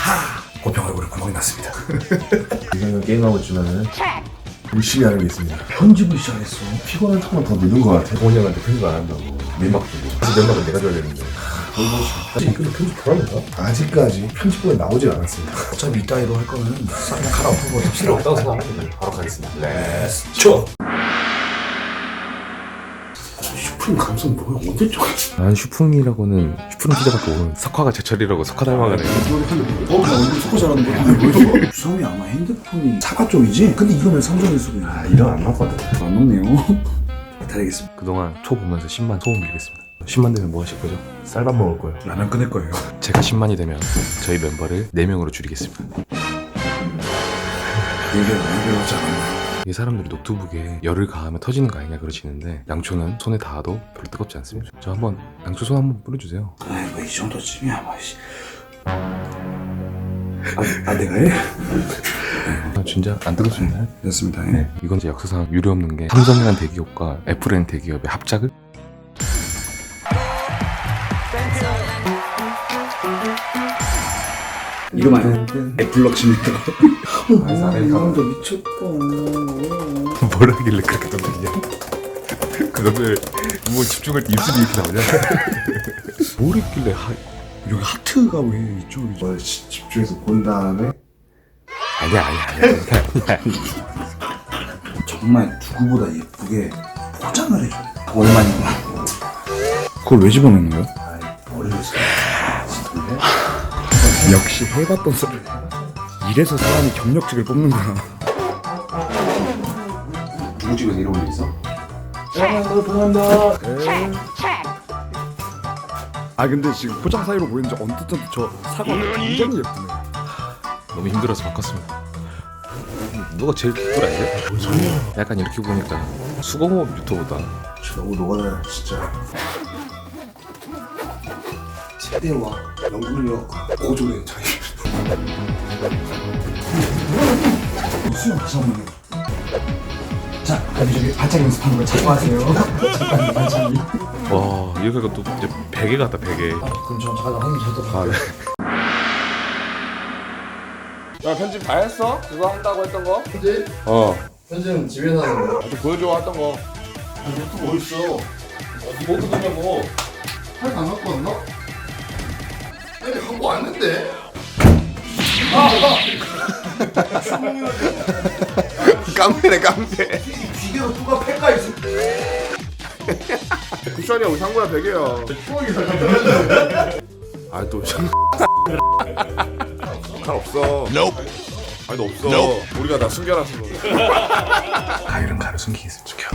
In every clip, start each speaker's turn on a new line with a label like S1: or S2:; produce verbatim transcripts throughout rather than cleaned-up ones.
S1: 고평 얼굴에 구멍이 났습니다.
S2: 이상형 게임하고 있지만은 열심히 하는 게 있습니다.
S1: 편집을 시작했어.
S2: 피곤한 척만 더 늦은 것 같아. 동원이 형한테 편집 안 한다고 면박 주고. 사실 면박은 내가 줘야 되는데.
S1: 아직 이거 편집 돌아간다.
S2: 아직까지 편집본에 나오질 않았습니다.
S1: 어차피 이따위로 할 거면 싹 그냥 갈아엎고 뭐 필요 없다고 생각하면 바로 가겠습니다.
S2: 렛츠
S1: 쳐. 슈프림 감성 뭐야? 언제 쪽?
S3: 난 슈풍이라고는 슈프림 피자밖에 모르는 석화가 제철이라고 석화 닮아가네.
S1: 어, 나 얼굴 속고 잘하는 거야. 주성이 아마 핸드폰이 사과 쪽이지? 근데 이거는 삼성일 수도 있네.
S2: 아 이런 안 맞거든.
S1: 안 먹네요. 기다리겠습니다.
S3: 그동안 초 보면서 십만 소원 빌겠습니다. 십만 되면 뭐 하실 거죠?
S2: 쌀밥 먹을 거예요.
S1: 라면 끊을 거예요.
S3: 제가 십만이 되면 저희 멤버를 네 명으로 줄이겠습니다.
S1: 얘기가 많이 배웠지 않았나?
S3: 이 사람들이 노트북에 열을 가하면 터지는 거 아니냐 그러시는데 양초는 손에 닿아도 별로 뜨겁지 않습니다. 저 한번 양초 손 한번 뿌려주세요.
S1: 아이 뭐 이 정도쯤이야 뭐. 아, 아 내가 해?
S3: 아, 진짜 안 뜨겁습니다.
S1: 됐습니다.
S3: 네, 이건 이제 역사상 유례 없는 게 삼성이라는 대기업과 애플이라는 대기업의 합작을
S1: 이거 말이야. 애플럭십니다.
S2: 아,
S1: 이거 미쳤다.
S3: 뭘 하길래 그렇게 떠들냐. 그거를 뭐 집중할 때 입술이 이렇게 나오냐. 뭘 했길래 하...
S1: 여기 하트가 왜 이쪽이지?
S2: 뭘 시- 집중해서 본 다음에
S3: 아니야 아니야 아니야 아니야.
S1: 정말 누구보다 예쁘게 포장을 해줘요. 얼마인가? 그걸 왜 집어넣는 거야?
S2: 아이 머리를 쓰
S1: 역시 해봤던 소리. 이래서 사람이 경력직을 뽑는구나.
S2: 누구 집에서 이런 일 있어?
S1: 아 근데 지금 포장 사이로 보이는지 언뜻 언뜻 저 사과 굉장히 예쁘네.
S3: 너무 힘들어서 바꿨습니다. 누가 제일 기쁘라지? 뭔 소리야? 약간 이렇게 보니까 수공업 유튜버다.
S2: 너무 녹아요 진짜.
S1: 세대와 연구력과 고졸의 차이. 수영 다시 한번 해. 자, 여기저기 발차기 연습하는 거 자꾸 하세요. 잠깐 발차기.
S3: 와 이렇게 하니까 또 이제 베개 같다 베개.
S1: 그럼 저 잠깐 한번 저도
S3: 아, 네.
S4: 야 편집 다 했어? 그거 한다고 했던 거?
S2: 편집?
S4: 어
S2: 편집은 집에서 하는 거.
S4: 좀 보여줘 했던 거
S2: 유튜브 어딨어?
S4: 어디 뭐 듣냐고
S2: 팔 안 갖고 왔나? 아니 갖고 왔는데?
S4: 깡패네 깡패
S2: 기계로 누가 팰까 있어?
S4: 쿠션이야 우리 상구야 베개야 아또 칼 없어 아니 너 없어 우리가 다 숨겨놨어
S3: 가위는 가로 숨기겠습니다. 죽여.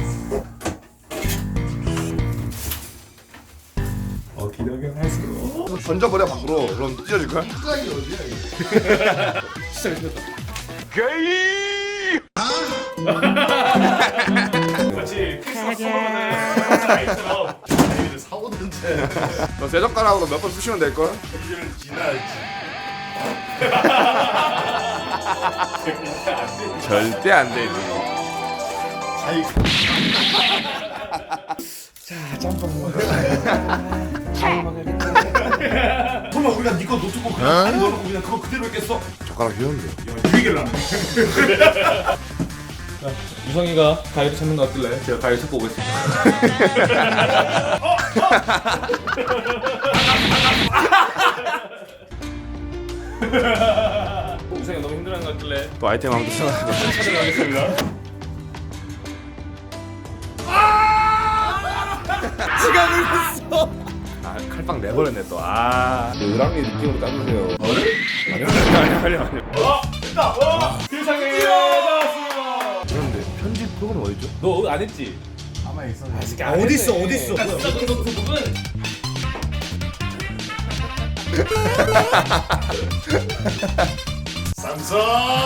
S4: 어 기대하긴 했어 던져버려 밖으로 그럼 찢어질걸?
S2: 짝이 어디야 이거?
S4: 너 쇠젓가락으로 몇 번 쑤시면 될걸? 절대 안 되지
S1: 설마 우리가 니거 노트북 그냥 안에 넣어놓고 그냥 그거 그대로 했겠어?
S4: 젓가락 휘었는데
S5: 유성이가 가위를 찾는 거 어떨래? 제가 가위 찾고 오겠습니다. 유성이 너무 힘들어하는 거 어떨래?
S4: 또 아이템 한번 생각해봐
S5: 찾아가겠습니다.
S4: 아 칼빵 내버렸네 또아 의랑이 느낌으로 따주세요 아니 아니 아니 아니
S5: 세상에 나왔어.
S3: 그런데 편집 프로그램 어디죠?
S5: 너 안 했지?
S2: 가만 있어.
S5: 아, 어디 있어? 어디 있어? 이 노트북은
S1: 삼성.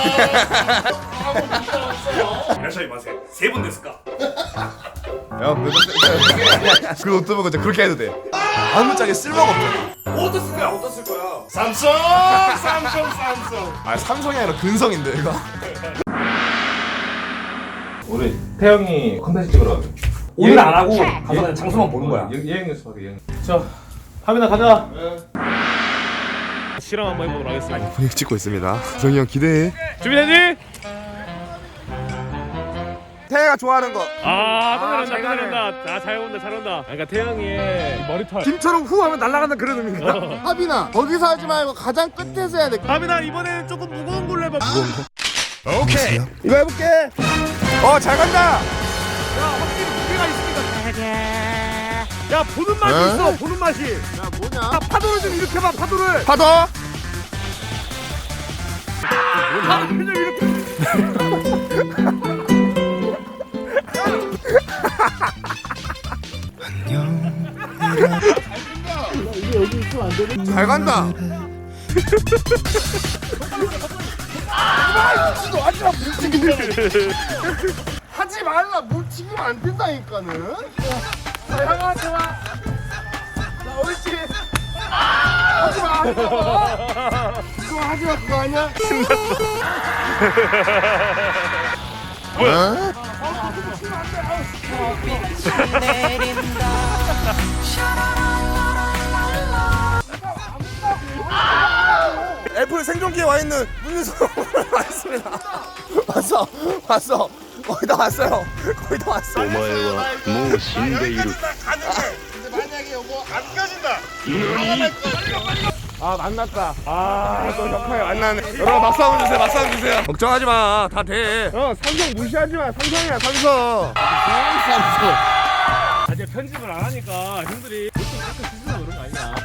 S1: 이라샤이 마세. 세분 됐을까?
S4: 야, 그 노트북은 진짜 그렇게 해도 돼. 아무짝에 쓸모가 없잖아.
S1: 어디다 쓸 거야? 어디다 쓸 거야? 삼성. 삼성. 삼성.
S4: 아, 삼성이 아니라 근성인데, 이거.
S5: 우리 태영이 컨텐츠 찍으러 가자.
S1: 오늘 안 하고 가서 그냥 장소만 보는 거야.
S5: 예, 예행 연습하게 예행. 자, 하민아 가자. 실험 한번 해보도록 하겠습니다.
S4: 분위기 찍고 있습니다. 정이 형 기대해.
S5: 준비됐니?
S4: 태혜가 좋아하는 거.
S5: 아, 또
S4: 아,
S5: 잘한다,
S4: 잘
S5: 또
S4: 가네.
S5: 잘한다. 아, 잘 온다, 잘 온다. 그러니까 태영이의 이 머리털.
S4: 김처럼 후 하면 날아간다 그런 의미인가?
S6: 하빈아 거기서 하지 말고 가장 끝에서 해야 돼.
S5: 하빈아, 이번에는 조금 무거운 걸로 해봐.
S4: 오케이. 이거 해볼게. 어, 잘 간다.
S5: 야, 보는 맛이 있어, 보는 맛이.
S6: 야 뭐냐?
S5: 야, 파도를 좀 이렇게 봐, 파도를.
S4: 파도.
S5: 파도를 좀 이렇게.
S4: 잘 간다.
S6: 하지 말라. 물 튀기면 안 된다니까는. 자 형아 좋아. 자 옳지. 하지 마. 하지 마. 그거 하지 마. 그거 아니야?
S4: 애플 생존기에 와 있는 문유성 왔습니다. 왔어, 왔어. 거의 다 왔어요. 거의 다 왔어. 아 만났다. 아또 격하게 만나네. 여러분 박수 한번 주세요. 박수 한번 주세요. 걱정하지 마. 다 돼. 어 삼성 무시하지 마. 삼성이야 삼성.
S5: 아, 이제 편집을 안 하니까 형들이 보통 약간 쓰시나 그런 거 아니야.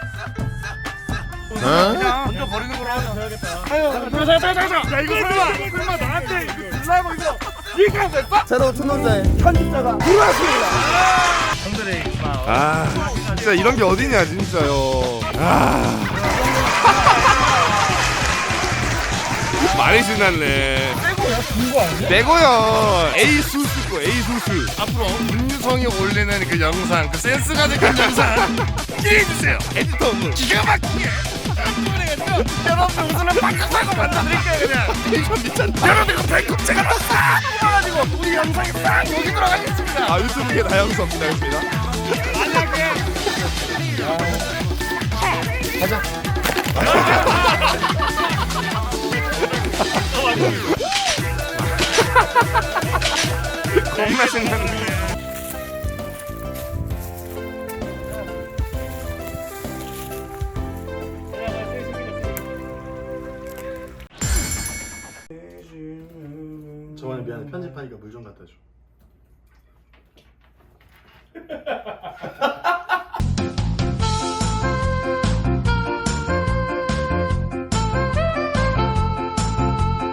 S5: 그냥 먼저 버리는 걸로 하자. 해야겠다. 아유, 잠깐, 잠깐, 잠깐. 야, 이거 설마, 설마 나한테 이거 들라고 이거 이렇게 하면 됐어?
S6: 새로운 충동자의 편집자가 들어왔습니다.
S5: 형들의 막
S4: 아 진짜 이런 게 어디냐 진짜요. 아 많이 신났네. 빼고요? 준거 아니야? 빼고요. A 수수고 A 수수. 앞으로 문유성이 올리는 그 영상, 그 센스 가득 한 영상 기대해주세요. 에디터분 기가 막히게. 여러분들 웃으면 방금 사고 만들어드릴게요 그냥. 텐션 미쳤다. 여러분들 이거 배꼽 제가 다 싹 뽑아가지고 우리 영상에 싹 여기 들어가겠습니다. 아 유튜브에 다영수 기다렸습니다. 만약에 겁나 신났네.
S6: 저번에 미안해 편집하니까 물 좀 갖다 줘.